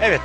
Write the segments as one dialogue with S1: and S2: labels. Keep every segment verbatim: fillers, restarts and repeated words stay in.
S1: Evet.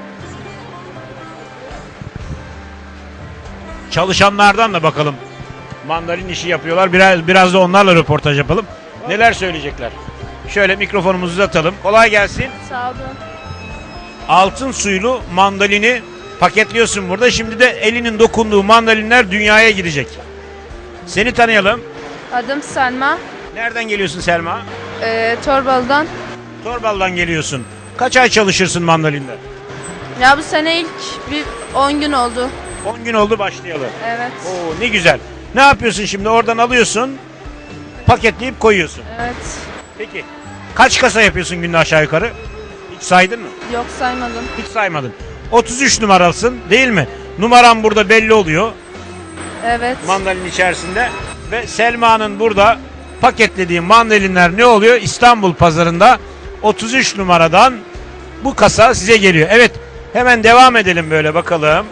S1: Çalışanlardan da bakalım. Mandalin işi yapıyorlar. Biraz biraz da onlarla röportaj yapalım. Neler söyleyecekler? Şöyle mikrofonumuzu uzatalım. Kolay gelsin.
S2: Sağ olun.
S1: Altın suylu mandalini paketliyorsun burada. Şimdi de elinin dokunduğu mandalinler dünyaya gidecek. Seni tanıyalım.
S2: Adım Selma.
S1: Nereden geliyorsun Selma?
S2: Ee, Torbalı'dan.
S1: Torbalı'dan geliyorsun. Kaç ay çalışırsın mandalinde?
S2: Ya bu sene ilk bir on gün oldu.
S1: on gün oldu başlayalı.
S2: Evet.
S1: Oo, ne güzel. Ne yapıyorsun şimdi? Oradan alıyorsun, paketleyip koyuyorsun.
S2: Evet.
S1: Peki kaç kasa yapıyorsun günde aşağı yukarı? Hiç saydın mı?
S2: Yok saymadım.
S1: Hiç saymadın. otuz üç numaralısın değil mi? Numaran burada belli oluyor
S2: Evet.
S1: mandalin içerisinde. Ve Selma'nın burada paketlediği mandalinler ne oluyor? İstanbul pazarında otuz üç numaradan bu kasa size geliyor. Evet, hemen devam edelim böyle bakalım.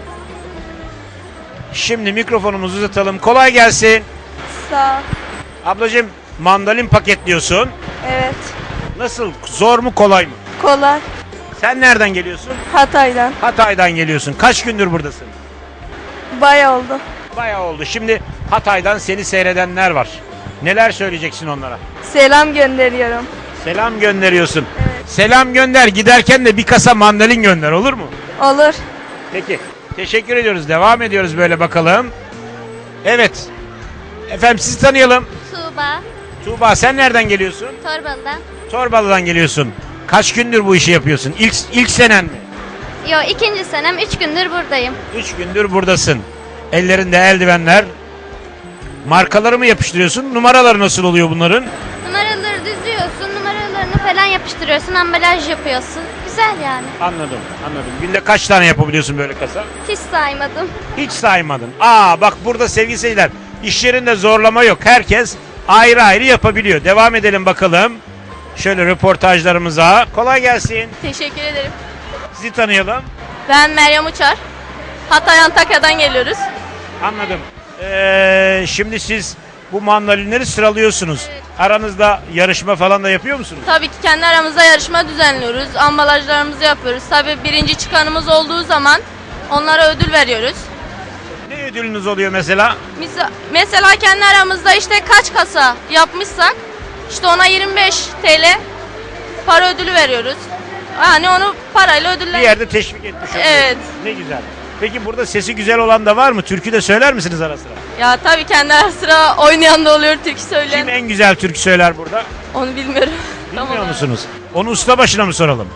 S1: Şimdi mikrofonumuzu uzatalım. Kolay gelsin.
S2: Sağ ol.
S1: Ablacığım, mandalin paketliyorsun.
S2: Evet.
S1: Nasıl? Zor mu kolay mı?
S2: Kolay.
S1: Sen nereden geliyorsun?
S2: Hatay'dan.
S1: Hatay'dan geliyorsun. Kaç gündür buradasın?
S2: Bayağı oldu.
S1: Bayağı oldu. Şimdi Hatay'dan seni seyredenler var. Neler söyleyeceksin onlara?
S2: Selam gönderiyorum.
S1: Selam gönderiyorsun.
S2: Evet.
S1: Selam gönder. Giderken de bir kasa mandalin gönder, olur mu?
S2: Olur.
S1: Peki. Teşekkür ediyoruz. Devam ediyoruz böyle bakalım. Evet. Efendim sizi tanıyalım.
S3: Tuğba,
S1: Tuğba, sen nereden geliyorsun?
S3: Torbalı'dan.
S1: Torbalı'dan geliyorsun. Kaç gündür bu işi yapıyorsun? İlk, ilk senen mi?
S3: Yo, ikinci senem, üç gündür buradayım.
S1: Üç gündür buradasın. Ellerinde eldivenler. Markaları mı yapıştırıyorsun? Numaraları nasıl oluyor bunların?
S3: Numaraları düzüyorsun, numaralarını falan yapıştırıyorsun, ambalaj yapıyorsun. Güzel yani.
S1: Anladım, anladım. Günde kaç tane yapabiliyorsun böyle kasa?
S3: Hiç saymadım.
S1: Hiç saymadın. Aa bak, burada sevgili seyirciler, iş yerinde zorlama yok. Herkes ayrı ayrı yapabiliyor. Devam edelim bakalım. Şöyle röportajlarımıza. Kolay gelsin.
S4: Teşekkür ederim.
S1: Sizi tanıyalım.
S4: Ben Meryem Uçar. Hatay Antakya'dan geliyoruz.
S1: Anladım. Ee, şimdi siz bu mandalinleri sıralıyorsunuz. Aranızda yarışma falan da yapıyor musunuz?
S4: Tabii ki kendi aramızda yarışma düzenliyoruz. Ambalajlarımızı yapıyoruz. Tabii birinci çıkanımız olduğu zaman onlara ödül veriyoruz.
S1: Ne ödülünüz oluyor mesela?
S4: Mis- Mesela kendi aramızda işte kaç kasa yapmışsak işte ona yirmi beş TL para ödülü veriyoruz. Yani onu parayla
S1: Bir
S4: ödüller.
S1: yerde teşvik etmiş oluyorsunuz.
S4: Evet.
S1: Ne güzel. Peki burada sesi güzel olan da var mı? Türkü de söyler misiniz ara sıra?
S4: Ya tabii kendi ara sıra oynayan da oluyor, türkü söyleyen.
S1: Kim en güzel türkü söyler burada?
S4: Onu bilmiyorum.
S1: Bilmiyor
S4: Tamam.
S1: musunuz? Onu usta başına mı soralım?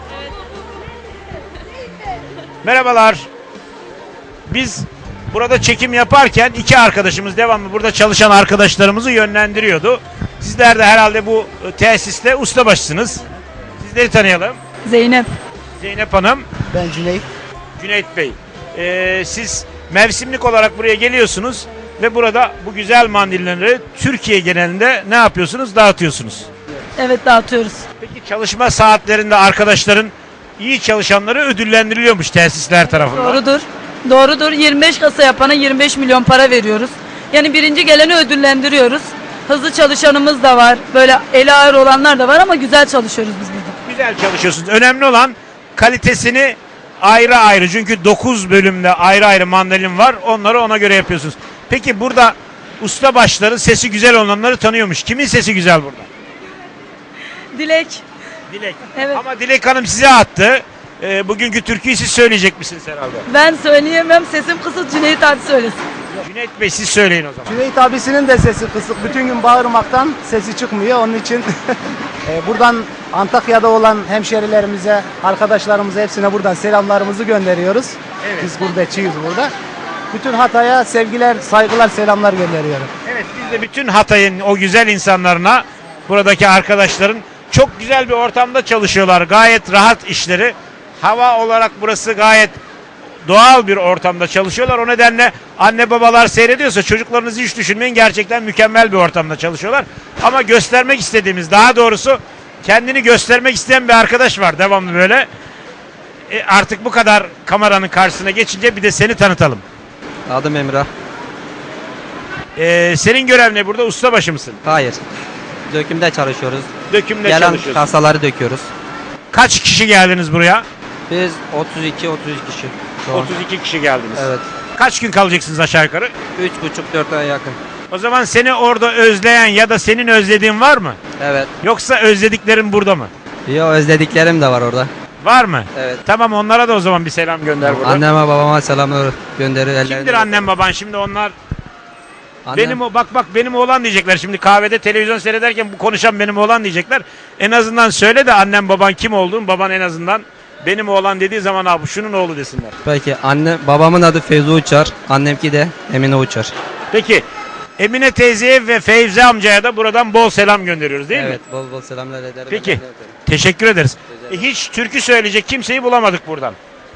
S1: Merhabalar. Biz burada çekim yaparken iki arkadaşımız devamlı burada çalışan arkadaşlarımızı yönlendiriyordu. Sizler de herhalde bu tesiste ustabaşısınız. Sizleri tanıyalım.
S5: Zeynep.
S1: Zeynep Hanım,
S6: Ben Cüneyt.
S1: Cüneyt Bey. Ee, siz mevsimlik olarak buraya geliyorsunuz ve burada bu güzel mandilleri Türkiye genelinde ne yapıyorsunuz? Dağıtıyorsunuz.
S5: Evet, dağıtıyoruz.
S1: Peki çalışma saatlerinde arkadaşların, iyi çalışanları ödüllendiriliyormuş tesisler tarafından.
S5: Doğrudur. Doğrudur. yirmi beş kasa yapana yirmi beş milyon para veriyoruz. Yani birinci geleni ödüllendiriyoruz. Hızlı çalışanımız da var. Böyle eli ağır olanlar da var ama güzel çalışıyoruz biz burada.
S1: Güzel çalışıyorsunuz. Önemli olan kalitesini ayrı ayrı. Çünkü dokuz bölümde ayrı ayrı mandalin var. Onları ona göre yapıyorsunuz. Peki burada usta başları sesi güzel olanları tanıyormuş. Kimin sesi güzel burada?
S5: Dilek.
S1: Dilek.
S5: Evet.
S1: Ama Dilek Hanım size attı. Ee, bugünkü türküyü siz söyleyecek misiniz herhalde?
S5: Ben söyleyemem. Sesim kısık. Cüneyt abi söylesin.
S1: Cüneyt Bey siz söyleyin o zaman.
S6: Cüneyt abisinin de sesi kısık. Bütün gün bağırmaktan sesi çıkmıyor. Onun için e, buradan Antakya'da olan hemşerilerimize, arkadaşlarımıza hepsine buradan selamlarımızı gönderiyoruz.
S1: Evet.
S6: Biz gurbetçiyiz burada. Bütün Hatay'a sevgiler, saygılar, selamlar gönderiyorum.
S1: Evet, biz de bütün Hatay'ın o güzel insanlarına, buradaki arkadaşların çok güzel bir ortamda çalışıyorlar. Gayet rahat işleri. Hava olarak burası gayet doğal bir ortamda çalışıyorlar. O nedenle anne babalar seyrediyorsa çocuklarınızı hiç düşünmeyin. Gerçekten mükemmel bir ortamda çalışıyorlar. Ama göstermek istediğimiz, daha doğrusu kendini göstermek isteyen bir arkadaş var devamlı böyle. E artık bu kadar kameranın karşısına geçince bir de seni tanıtalım.
S7: Adım Emrah.
S1: E, senin görev ne burada? Ustabaşı mısın?
S7: Hayır. Dökümde çalışıyoruz.
S1: Dökümde
S7: Gelen
S1: çalışıyorsun.
S7: kasaları döküyoruz.
S1: Kaç kişi geldiniz buraya?
S7: Biz otuz iki otuz üç kişi şu an.
S1: otuz iki kişi geldiniz.
S7: Evet.
S1: Kaç gün kalacaksınız aşağı yukarı?
S7: üç buçuk dört aya yakın.
S1: O zaman seni orada özleyen ya da senin özlediğin var mı?
S7: Evet.
S1: Yoksa özlediklerin burada mı?
S7: Yo, özlediklerim de var orada.
S1: Var mı?
S7: Evet.
S1: Tamam, onlara da o zaman bir selam gönder burada.
S7: Anneme babama selamlar gönderir.
S1: Kimdir
S7: ellerinden-
S1: annem baban şimdi onlar?
S7: Annem-
S1: Benim o bak bak benim oğlan diyecekler şimdi kahvede televizyon seyrederken bu konuşan benim oğlan diyecekler. En azından söyle de annem baban kim olduğunu, baban en azından benim oğlan dediği zaman abi şunun oğlu desinler.
S7: Peki anne babamın adı Feyzo Uçar. Annemki de Emine Uçar.
S1: Peki Emine teyzeye ve Feyze amcaya da buradan bol selam gönderiyoruz değil
S7: evet,
S1: mi?
S7: bol bol selamlar ederim.
S1: Peki.
S7: ellerinden öperim.
S1: Teşekkür ederiz. E, hiç türkü söyleyecek kimseyi bulamadık buradan.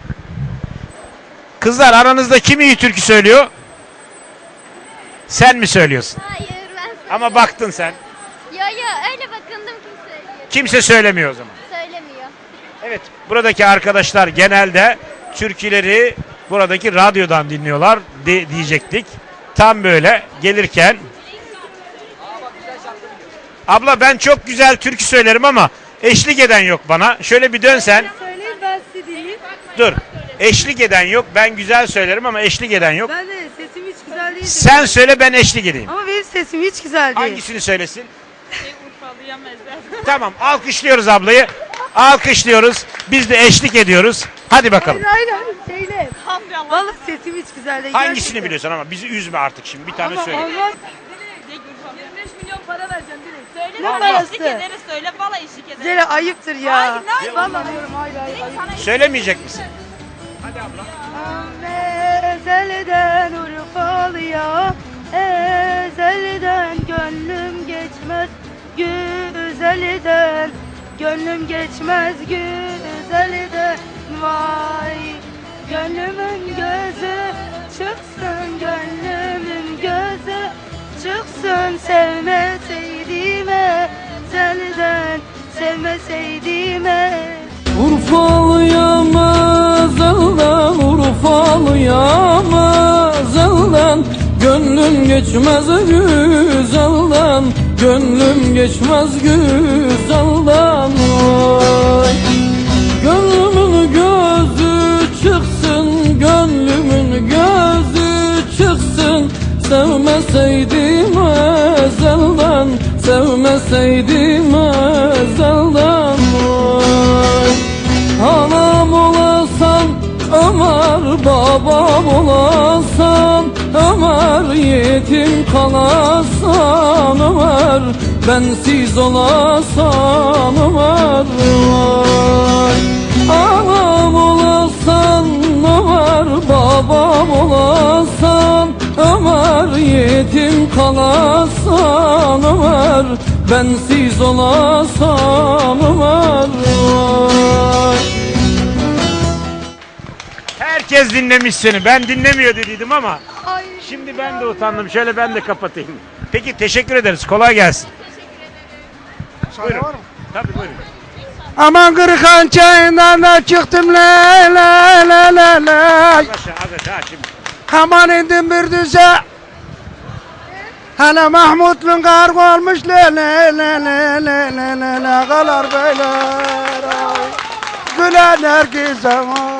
S1: Kızlar aranızda kim iyi türkü söylüyor? Sen mi söylüyorsun?
S3: Hayır ben
S1: Ama baktın sen.
S3: Yo yo öyle bakındım kim söylüyor.
S1: Kimse söylemiyor o zaman.
S3: Söylemiyor.
S1: Evet, buradaki arkadaşlar genelde türküleri buradaki radyodan dinliyorlar de, diyecektik. Tam böyle gelirken. Abla ben çok güzel türkü söylerim ama eşlik eden yok bana. Şöyle bir dönsen.
S5: Söyleyin ben size dinleyeyim.
S1: Dur. Eşlik eden yok. Ben güzel söylerim ama eşlik eden yok.
S5: Ben de sesim hiç güzel değil.
S1: Sen söyle ben eşlik edeyim.
S5: Ama benim sesim hiç güzel değil.
S1: Hangisini söylesin? Tamam, alkışlıyoruz ablayı. Alkışlıyoruz. Biz de eşlik ediyoruz. Hadi bakalım.
S5: Hayır hayır söyle. Vallahi sesim hiç güzel değil.
S1: Hangisini
S5: gerçekten.
S1: biliyorsun ama bizi üzme artık şimdi. Bir tane
S5: Ama
S1: söyle.
S5: Allah yirmi beş milyon para vereceğim direkt. Söyle
S1: Allah.
S5: parası.
S4: ederiz söyle valla eşlik ederiz.
S5: Zere ayıptır ya.
S4: Hayır, hayır.
S5: Vallahi diyorum hayır hayır. hayır.
S1: Söylemeyecek misin?
S5: Ezelden Urfalı'ya, ezelden gönlüm geçmez güzelden, gönlüm geçmez güzelden, vay gönlümün gözü çıksın, gönlümün gözü çıksın, sevmeseydim ezelden, sevmeseydim ezelden.
S8: Urfalıyam ezelden, Urfalıyam ezelden, gönlüm geçmez güzelden, gönlüm geçmez güzelden. Vay. Gönlümün gözü çıksın, gönlümün gözü çıksın, sevmeseydim ezelden, sevmeseydim ezelden. Vay. Anam olasan Ömer, babam olasan Ömer, yetim kalasan Ömer, bensiz olasan Ömer. Vay. Anam olasan Ömer, babam olasan Ömer, yetim kalasan Ömer, bensiz olasan Ömer. Vay.
S1: Herkes dinlemiş seni. Ben dinlemiyor dediydim ama şimdi ben de utandım. Şöyle ben de kapatayım. Peki teşekkür ederiz. Kolay gelsin. Buyurun. Tabii buyurun.
S9: Aman Kırıkhan çayından da çıktım la la la la la.
S1: Az aşağı, az aşağı şimdi.
S9: Aman indim bir düze. Hala Mahmutlu'nun kargı olmuş la la la la la la la la kalar beyler ay. Gülen herkese ay.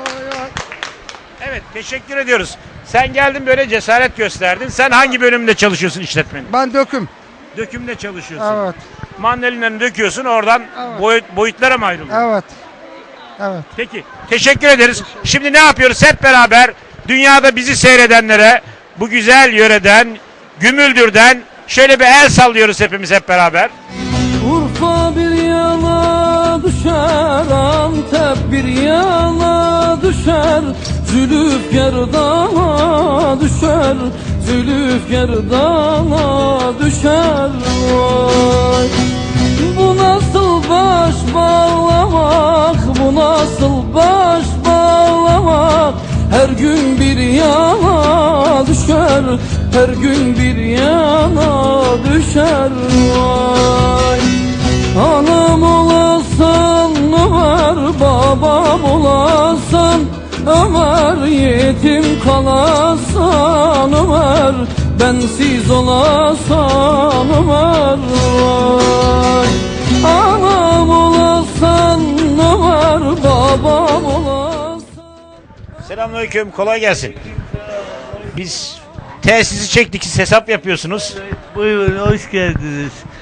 S1: Evet teşekkür ediyoruz. Sen geldin böyle cesaret gösterdin. Sen hangi bölümde çalışıyorsun işletmenin?
S9: Ben döküm.
S1: Dökümde çalışıyorsun.
S9: Evet.
S1: Mandalina'nı döküyorsun oradan boyut, boyutlara mı ayrılıyor?
S9: Evet. Evet.
S1: Peki teşekkür ederiz. Şimdi ne yapıyoruz hep beraber dünyada bizi seyredenlere bu güzel yöreden Gümüldür'den şöyle bir el sallıyoruz hepimiz hep beraber.
S8: Urfa bir yana düşer, Antep bir yana düşer, Zülüfkar dağına düşer, Zülüfkar dağına düşer. Vay. Bu nasıl baş bağlamak, bu nasıl baş bağlamak, her gün bir yana düşer, her gün bir yana düşer. Vay. Anam olasan Ömer, babam olasan Ömer, yetim kalasan Ömer, bensiz olasan Ömer. Vay. Anam olasan Ömer, babam
S1: Selamünaleyküm, kolay gelsin. Biz tesisi çektik, siz hesap yapıyorsunuz.
S10: Buyurun, hoş geldiniz.